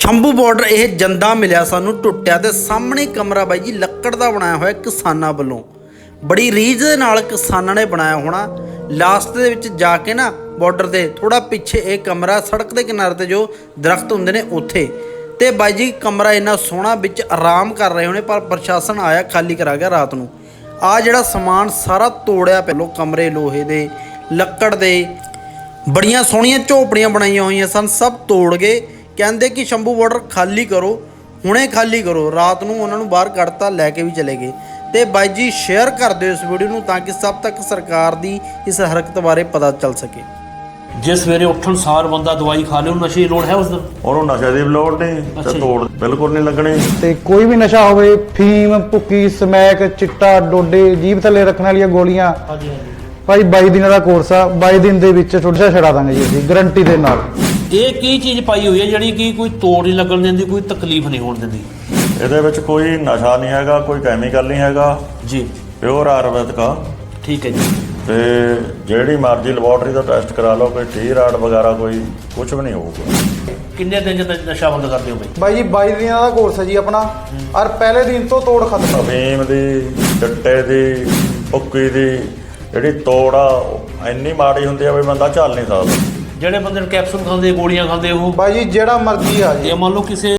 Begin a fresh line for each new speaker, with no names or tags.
Shambhu border ਇਹ ਜੰਦਾ ਮਿਲਿਆ ਸਾਨੂੰ ਟੁੱਟਿਆ ਤੇ ਸਾਹਮਣੇ ਕਮਰਾ ਬਾਈ ਜੀ ਲੱਕੜ ਦਾ ਬਣਾਇਆ ਹੋਇਆ ਕਿਸਾਨਾਂ ਵੱਲੋਂ। ਬੜੀ ਰੀਝ ਦੇ ਨਾਲ ਕਿਸਾਨਾਂ ਨੇ ਬਣਾਇਆ ਹੋਣਾ। ਲਾਸਟ ਦੇ ਵਿੱਚ ਜਾ ਕੇ ਨਾ ਬਾਰਡਰ ਦੇ ਥੋੜਾ ਪਿੱਛੇ ਇਹ ਕਮਰਾ ਸੜਕ ਦੇ ਕਿਨਾਰੇ ਤੇ ਜੋ ਦਰਖਤ ਹੁੰਦੇ ਨੇ ਉੱਥੇ ਤੇ ਬਾਈ ਜੀ ਕਮਰਾ ਇੰਨਾ ਸੋਹਣਾ ਵਿੱਚ ਆਰਾਮ ਕਰ ਰਹੇ ਹੋਣੇ, ਪਰ ਪ੍ਰਸ਼ਾਸਨ ਆਇਆ ਖਾਲੀ ਕਰਾ ਗਿਆ ਰਾਤ ਨੂੰ। ਆ ਜਿਹੜਾ ਸਮਾਨ ਸਾਰਾ ਤੋੜਿਆ ਪਹਿਲੋਂ, ਕਮਰੇ ਲੋਹੇ ਦੇ ਲੱਕੜ ਦੇ, ਬੜੀਆਂ ਸੋਹਣੀਆਂ ਝੋਪੜੀਆਂ ਬਣਾਈਆਂ ਹੋਈਆਂ ਸਨ, ਸਭ ਤੋੜ ਗਏ। ਕਹਿੰਦੇ ਕਿ ਸ਼ੰਭੂ ਬਾਰਡਰ ਖਾਲੀ ਕਰੋ, ਹੁਣੇ ਖਾਲੀ ਕਰੋ। ਰਾਤ ਨੂੰ ਉਹਨਾਂ ਨੂੰ ਬਾਹਰ ਕੱਢਤਾ, ਲੈ ਕੇ ਵੀ ਚਲੇ ਗਏ। ਤੇ ਬਾਈ ਜੀ ਸ਼ੇਅਰ ਕਰ ਦਿਓ ਇਸ ਵੀਡੀਓ ਨੂੰ ਤਾਂ ਕਿ ਸਭ ਤੱਕ ਸਰਕਾਰ ਦੀ ਇਸ ਹਰਕਤ ਬਾਰੇ ਪਤਾ ਚੱਲ ਸਕੇ।
ਜੇ ਸਵੇਰੇ ਉੱਠਣ ਸਾਰ ਬੰਦਾ ਦਵਾਈ ਖਾ ਲੇ, ਉਹਨੂੰ ਨਸ਼ੇ ਦੀ ਲੋੜ ਹੈ ਉਸ ਦਿਨ?
ਉਹਨੂੰ ਨਸ਼ੇ ਦੀ ਲੋੜ ਨਹੀਂ ਤੇ ਤੋੜ ਬਿਲਕੁਲ ਨਹੀਂ ਲੱਗਣੀ।
ਤੇ ਕੋਈ ਵੀ ਨਸ਼ਾ ਹੋਵੇ, ਫੀਮ, ਭੁੱਕੀ, ਸਮੈਕ, ਚਿੱਟਾ, ਡੋਡੇ, ਜੀਭ ਥੱਲੇ ਰੱਖਣ ਵਾਲੀਆਂ ਗੋਲੀਆਂ,
ਹਾਂਜੀ ਹਾਂਜੀ
ਭਾਈ 22 ਦਿਨਾਂ ਦਾ ਕੋਰਸ ਆ। 22 ਦਿਨ ਦੇ ਵਿੱਚ ਛੁੱਟਾ ਛੜਾ ਦਾਂਗੇ ਜੀ ਅਸੀਂ, ਗਰੰਟੀ ਦੇ ਨਾਲ।
ਇਹ ਕੀ ਚੀਜ਼ ਪਾਈ ਹੋਈ ਹੈ ਜਿਹੜੀ ਕਿ ਕੋਈ ਤੋੜ ਨਹੀਂ ਲੱਗਣ ਦਿੰਦੀ, ਕੋਈ ਤਕਲੀਫ ਨਹੀਂ ਹੋਣ ਦਿੰਦੀ?
ਇਹਦੇ ਵਿੱਚ ਕੋਈ ਨਸ਼ਾ ਨਹੀਂ ਹੈਗਾ, ਕੋਈ ਕੈਮੀਕਲ ਨਹੀਂ ਹੈਗਾ
ਜੀ,
ਪਿਓਰ ਆਯੁਰਵੈਦਿਕ ਆ।
ਠੀਕ ਹੈ ਜੀ।
ਤੇ ਜਿਹੜੀ ਮਰਜ਼ੀ ਲੈਬੋਰਟਰੀ ਦਾ ਟੈਸਟ ਕਰਾ ਲਓ, ਕੋਈ ਟੀ ਰਾਡ ਵਗੈਰਾ ਕੋਈ ਕੁਝ ਵੀ ਨਹੀਂ ਹੋਊਗਾ।
ਕਿੰਨੇ ਦਿਨ ਜਦ ਨਸ਼ਾ ਬੰਦ ਕਰਦੇ ਹੋ ਬਈ?
ਬਾਈ ਜੀ 22 ਦਿਨਾਂ ਦਾ ਕੋਰਸ ਹੈ ਜੀ ਆਪਣਾ, ਔਰ ਪਹਿਲੇ ਦਿਨ ਤੋਂ ਤੋੜ ਖਤਮ।
ਅਫੀਮ ਦੀ, ਚਿੱਟੇ ਦੀ, ਭੁੱਕੀ ਦੀ ਜਿਹੜੀ ਤੋੜ ਆ ਇੰਨੀ ਮਾੜੀ ਹੁੰਦੀ ਆ ਵੀ ਬੰਦਾ ਝੱਲ ਨਹੀਂ ਸਕਦਾ।
ਜਿਹੜੇ ਬੰਦੇ ਨੂੰ ਕੈਪਸੂਲ ਖਾਂਦੇ, ਗੋਲੀਆਂ ਖਾਂਦੇ, ਉਹ
ਬਾਈ ਜੀ ਜਿਹੜਾ ਮਰਜ਼ੀ ਆ ਜੀ।
ਜੇ ਮੰਨ ਲਓ ਕਿਸੇ